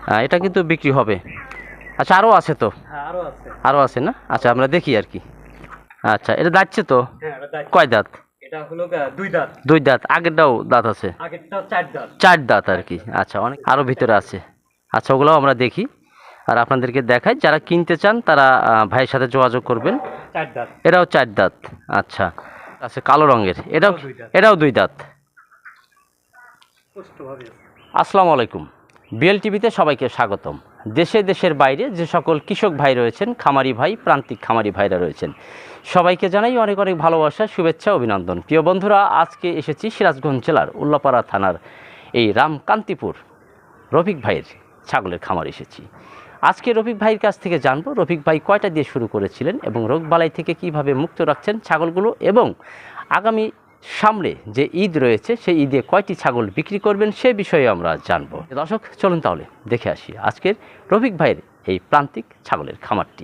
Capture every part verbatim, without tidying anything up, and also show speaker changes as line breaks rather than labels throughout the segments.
এটা কিন্তু বিক্রি হবে। আচ্ছা, আরও আছে তো?
হ্যাঁ, আরো আছে।
আরও আছে না? আচ্ছা, আমরা দেখি আর কি। আচ্ছা, এটা দাঁতছে তো?
হ্যাঁ, এটা দাঁত।
কয় দাঁত?
এটা হলো গা দুই দাঁত।
দুই দাঁত। আগেরটাও দাঁত আছে?
আগেরটা চার দাঁত।
চার দাঁত আর কি। আচ্ছা, অনেক আরও ভিতরে আছে। আচ্ছা, ওগুলোও আমরা দেখি আর আপনাদেরকে দেখাই। যারা কিনতে চান তারা আহ, ভাইয়ের সাথে যোগাযোগ করবেন।
চার দাঁত।
এটাও চার দাঁত। আচ্ছা, আচ্ছা, কালো রঙের। এটাও
দুই দাঁত।
এটাও দুই দাঁত।
সুষ্ঠুভাবে আছে।
আসসালামু আলাইকুম। বিএল টিভিতে সবাইকে স্বাগতম। দেশে দেশের বাইরে যে সকল কৃষক ভাই রয়েছেন, খামারি ভাই, প্রান্তিক খামারি ভাইরা রয়েছেন, সবাইকে জানাই অনেক অনেক ভালোবাসা, শুভেচ্ছা, অভিনন্দন। প্রিয় বন্ধুরা, আজকে এসেছি সিরাজগঞ্জ জেলার উল্লাপাড়া থানার এই রামকান্তিপুর রফিক ভাইয়ের ছাগলের খামার এসেছি। আজকে রফিক ভাইয়ের কাছ থেকে জানবো রফিক ভাই কয়টা দিয়ে শুরু করেছিলেন এবং রোগবালাই থেকে কিভাবে মুক্ত রাখছেন ছাগলগুলো, এবং আগামী সামনে যে ঈদ রয়েছে সেই ঈদে কয়টি ছাগল বিক্রি করবেন সে বিষয়ে আমরা জানবো। দর্শক, চলুন তাহলে দেখে আসি আজকের রফিক ভাইয়ের এই প্রান্তিক ছাগলের খামারটি।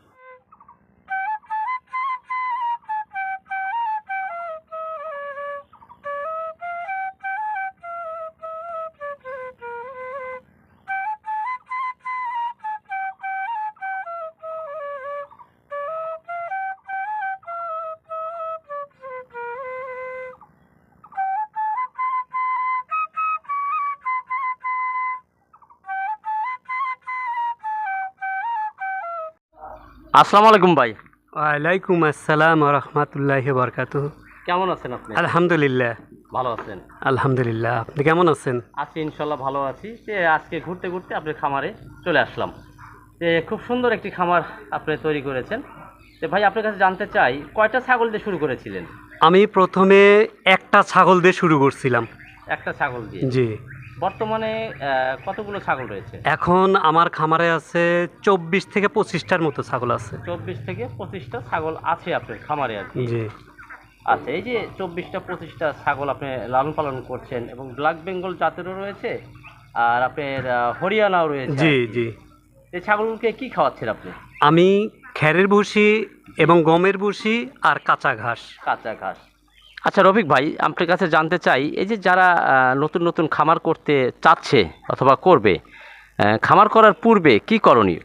আসসালামু আলাইকুম ভাই।
ওয়ালাইকুম আসসালাম ওয়া রাহমাতুল্লাহি ওয়া বারাকাতুহু।
কেমন আছেন আপনি?
আলহামদুলিল্লাহ।
ভালো আছেন?
আলহামদুলিল্লাহ, আপনি কেমন আছেন?
আছি, ইনশাল্লাহ ভালো আছি। যে আজকে ঘুরতে ঘুরতে আপনার খামারে চলে আসলাম। যে খুব সুন্দর একটি খামার আপনি তৈরি করেছেন। তো ভাই, আপনার কাছে জানতে চাই কয়টা ছাগল দিয়ে শুরু করেছিলেন?
আমি প্রথমে একটা ছাগল দিয়ে শুরু করছিলাম।
একটা ছাগল দিয়ে?
জি।
বর্তমানে আহ, কতগুলো ছাগল রয়েছে?
এখন আমার খামারে আছে চব্বিশ থেকে পঁচিশটার মতো ছাগল আছে।
চব্বিশ থেকে পঁচিশটা ছাগল আছে আপনার খামারে আর কি।
জি।
আচ্ছা, এই যে চব্বিশটা পঁচিশটা ছাগল আপনি লালন পালন করছেন এবং ব্ল্যাক বেঙ্গল জাতেরও রয়েছে আর আপনার আহ, হরিয়ানাও রয়েছে
জি
আর কি।
জি।
এই ছাগলগুলোকে কি খাওয়াচ্ছেন আপনি?
আমি খ্যারের ভুসি এবং গমের ভুসি আর কাঁচা ঘাস।
কাঁচা ঘাস। আচ্ছা রফিক ভাই, আপনার কাছে জানতে চাই, এই যে যারা আহ, নতুন নতুন খামার করতে চাচ্ছে অথবা করবে, আহ, খামার করার পূর্বে কি করণীয়?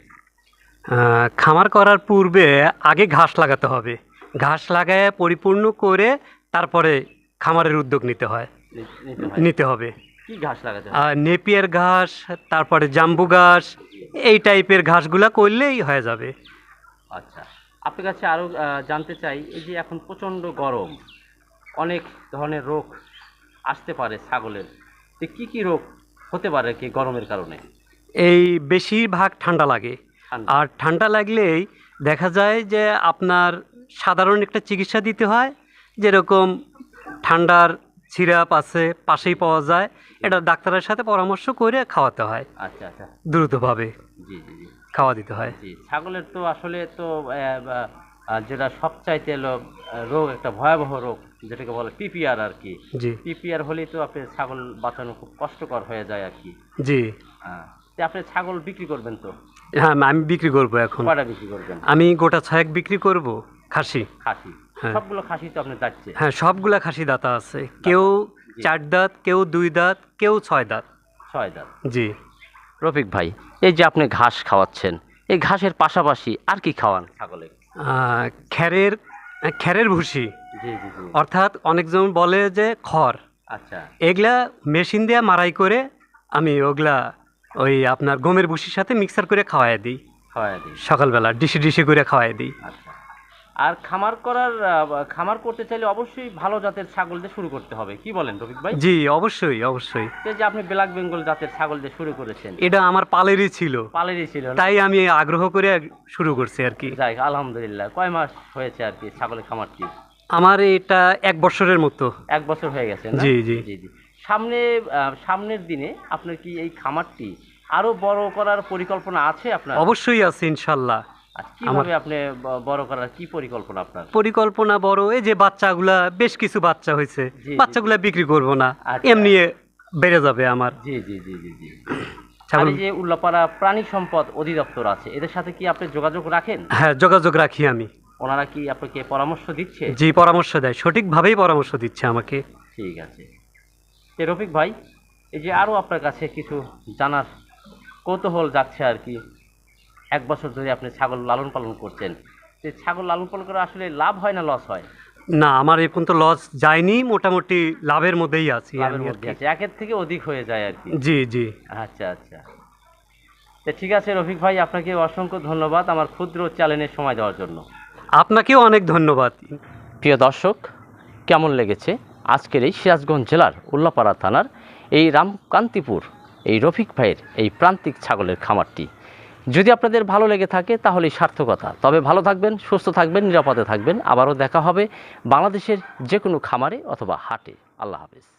আহ, খামার করার পূর্বে আগে ঘাস লাগাতে হবে। ঘাস লাগায় পরিপূর্ণ করে তারপরে খামারের উদ্যোগ নিতে হয়
নি- নিতে হয়?
নিতে হবে।
কি ঘাস লাগাতে হয়?
আর নেপিয়ার ঘাস, তারপরে জাম্বু ঘাস, এই টাইপের ঘাসগুলা করলেই হয়ে যাবে।
আচ্ছা, আপনার কাছে আরও জানতে চাই, এই যে এখন প্রচণ্ড গরম, অনেক ধরনের রোগ আসতে পারে ছাগলের, তো কি কি রোগ হতে পারে কি গরমের কারণে?
এই বেশিরভাগ ঠান্ডা লাগে।
ঠান্ডা।
আর ঠান্ডা লাগলেই দেখা যায় যে আপনার সাধারণ একটা চিকিৎসা দিতে হয়, যেরকম ঠান্ডার সিরাপ আছে পাশেই পাওয়া যায়, এটা ডাক্তারের সাথে পরামর্শ করে খাওয়াতে হয়।
আচ্ছা আচ্ছা।
দ্রুতভাবে
জি জি জি
খাওয়া দিতে হয়।
জি। ছাগলের তো আসলে তো আহ, বা, আহ, যেটা সবচাইতে হলো আহ, রোগ, একটা ভয়াবহ রোগ যেটাকে বলে পিপিআর আর কি।
জি
পিপিআর হলেই তো আপনার ছাগল বাঁচানো খুব কষ্টকর হয়ে যায় আর কি।
জি।
হ্যাঁ, তো আপনি ছাগল বিক্রি করবেন তো?
হ্যাঁ, আমি বিক্রি করব এখন।
কয়টা বিক্রি করবেন?
আমি গোটা ছয়েক বিক্রি করব খাসি।
খাসি?
হ্যাঁ।
সবগুলো খাসি তো আপনার যাচ্ছে?
হ্যাঁ, সবগুলা খাসি দাতা আছে। কেউ
জি।
চার দাঁত, কেউ দুই দাঁত, কেউ ছয় দাঁত।
ছয় দাঁত।
জি।
রফিক ভাই, এই যে আপনি ঘাস খাওয়াচ্ছেন, এই ঘাসের পাশাপাশি আর কি খাওয়ান ছাগলে?
আহ, খ্যারের খ্যারের ভুসি,
জি জি জি।
অর্থাৎ অনেকজন বলে যে খড়,
আচ্ছা।
এগুলা মেশিন দিয়ে মারাই করে আমি ওগুলা ওই আপনার গমের ভুসির সাথে মিক্সার করে খাওয়াই দিই।
খাওয়াই দিই?
সকালবেলা ডিশি ডিশি করে খাওয়াই দিই।
আচ্ছা। আর খামার করার আহ, খামার করতে চাইলে অবশ্যই ভালো জাতের ছাগল দিয়ে শুরু করতে হবে, কি বলেন রফিক ভাই?
জি, অবশ্যই অবশ্যই।
এই যে আপনি ব্ল্যাক বেঙ্গল জাতের ছাগল দিয়ে শুরু করেছেন,
এটা আমার পালেরই ছিল,
পালেরই ছিল না?
তাই আমি আগ্রহ করে শুরু করছি আর কি।
যাই, আলহামদুলিল্লাহ। কয় মাস হয়েছে আর কি ছাগলের খামারটি?
আমার এটা এক বছরের মতো।
এক বছর হয়ে গেছে না?
জি জি।
জি জি। সামনে আহ, সামনের দিনে আপনার কি এই খামারটি আরো বড় করার পরিকল্পনা আছে আপনার?
অবশ্যই আছে ইনশাল্লাহ।
আর কিভাবে আপনি ব- বড় করার কি পরিকল্পনা আপনার?
পরিকল্পনা বড়, এই যে বাচ্চাগুলা, বেশ কিছু বাচ্চা হয়েছে,
জি, জি।
বাচ্চাগুলা বিক্রি করব না,
আচ্ছা।
এমনি বেড়ে যাবে আমার
জি জি জি জি জি। আর
ছাগল।
এই যে উল্লাপাড়া প্রাণী সম্পদ অধিদপ্তর আছে, এদের সাথে কি আপনি যোগাযোগ রাখেন?
হ্যাঁ, যোগাযোগ রাখি আমি।
ওনারা কি আপনাকে পরামর্শ দিচ্ছে?
জি, পরামর্শ দেয়, সঠিকভাবেই পরামর্শ দিচ্ছে আমাকে।
ঠিক আছে। তো রফিক ভাই, এই যে আরও আপনার কাছে কিছু জানার কৌতূহল যাচ্ছে আর কি, এক বছর ধরে আপনি ছাগল লালন পালন করছেন, যে ছাগল লালন পালন করে আসলে লাভ হয় না লস হয়?
না, আমার এই পর্যন্ত লস যায়নি, মোটামুটি লাভের মধ্যেই আছি
লাভের
আমি আর
মধ্যে
কি।
আছে, একের থেকে অধিক হয়ে যায় আর কি।
জি জি।
আচ্ছা আচ্ছা, তো ঠিক আছে রফিক ভাই, আপনাকে অসংখ্য ধন্যবাদ আমার ক্ষুদ্র চ্যানেলের সময় দেওয়ার জন্য।
আপনাকেও অনেক ধন্যবাদ।
প্রিয় দর্শক, কেমন লেগেছে আজকের এই সিরাজগঞ্জ জেলার উল্লাপাড়া থানার এই রামকান্তিপুর এই রফিক ভাইয়ের এই প্রান্তিক ছাগলের খামারটি? যদি আপনাদের ভালো লেগে থাকে তাহলেই সার্থকতা। তবে ভালো থাকবেন, সুস্থ থাকবেন, নিরাপদে থাকবেন। আবারও দেখা হবে বাংলাদেশের যে কোনো খামারে অথবা হাটে। আল্লাহ হাফেজ।